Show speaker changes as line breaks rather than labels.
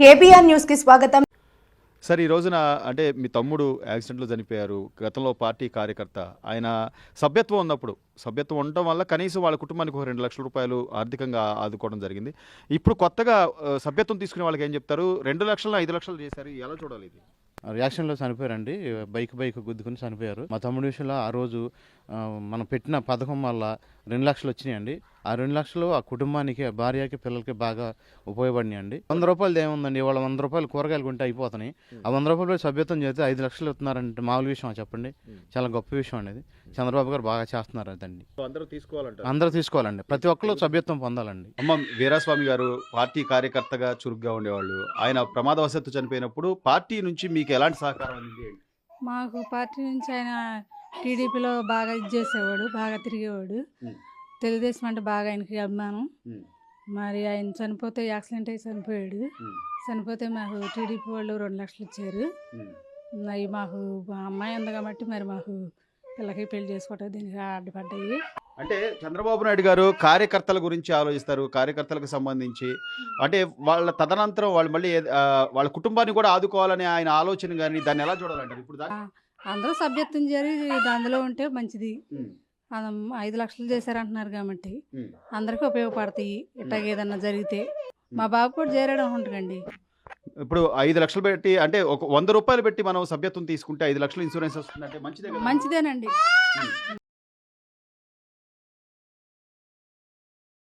KBR news కి స్వాగతం.
Sir ఈ రోజున అంటే మీ తమ్ముడు యాక్సిడెంట్లో చనిపోయారు. గతంలో పార్టీ కార్యకర్త. ఆయన సభ్యత్వం ఉన్నప్పుడు సభ్యత్వం ఉండటం వల్ల కనీసం వాళ్ళ కుటుంబానికి ఒక 2 లక్షల రూపాయలు ఆర్థికంగా ఆదుకోవడం జరిగింది. ఇప్పుడు కొత్తగా సభ్యత్వం తీసుకునే వాళ్ళకి ఏం చెప్తారు? 2 లక్షలు 5 లక్షలు చేశారు. ఎలా చూడాలి ఇది?
రియాక్షన్లో చనిపోయారండి. బైక్ గుద్దుకుని చనిపోయారు. మా తమ్ముడి విషయంలో ఆ రోజు మనం పెట్టిన పథకం వల్ల 2 లక్షలు వచ్చినాయండి. ఆ 2 లక్షలు ఆ కుటుంబానికి, ఆ భార్యకి, పిల్లలకి బాగా ఉపయోగపడినాయండి. 100 రూపాయలు ఏముందండి, ఇవాళ 100 రూపాయలు కూరగాయలు కొంటే అయిపోతున్నాయి. ఆ 100 రూపాయలు సభ్యత్వం చేస్తే 5 లక్షలు ఇస్తున్నారంటే మామూలు విషయం చెప్పండి. చాలా గొప్ప విషయం అనేది. చంద్రబాబు గారు బాగా చేస్తున్నారు అదండి. అందరూ తీసుకోవాలండి. ప్రతి ఒక్కరు సభ్యత్వం పొందాలండి.
అమ్మ వీరాస్వామి గారు పార్టీ కార్యకర్తగా చురుగ్గా ఉండేవాళ్ళు. ఆయన ప్రమాదవశాత్తు చనిపోయినప్పుడు పార్టీ నుంచి మీకు ఎలాంటి సహకారం అందింది?
మాకు పార్టీ నుంచి ఆయన టీడీపీలో బాగా ఇది చేసేవాడు, బాగా తిరిగేవాడు. తెలుగుదేశం అంటే బాగా ఆయనకి అభిమానం. మరి ఆయన చనిపోతే యాక్సిడెంట్ అయి చనిపోయాడు. చనిపోతే మాకు టీడీపీ వాళ్ళు 2 లక్షలు ఇచ్చారు. అవి మాకు మా అమ్మాయి ఉంది కాబట్టి మరి మాకు పిల్లకి పెళ్లి చేసుకోవటం దీనికి అడ్డుపడ్డాయి.
అంటే చంద్రబాబు నాయుడు గారు కార్యకర్తల గురించి ఆలోచిస్తారు. కార్యకర్తలకు సంబంధించి అంటే వాళ్ళ తదనంతరం వాళ్ళు మళ్ళీ వాళ్ళ కుటుంబాన్ని కూడా ఆదుకోవాలనే ఆయన ఆలోచన, కానీ దాన్ని ఎలా చూడాలంటారు? ఇప్పుడు
అందరూ సభ్యత్వం చేరి అందులో ఉంటే మంచిది. 5 లక్షలు చేశారంటున్నారు కాబట్టి అందరికీ ఉపయోగపడతాయి. ఇట్లాగ ఏదన్నా జరిగితే మా బాబు కూడా చేరాడు అనుకుంటుందండి.
ఇప్పుడు 5 లక్షలు పెట్టి అంటే ఒక 100 రూపాయలు పెట్టి మనం సభ్యత్వం తీసుకుంటే 5 లక్షలు ఇన్సూరెన్స్ వస్తుందంటే మంచిదేనండి.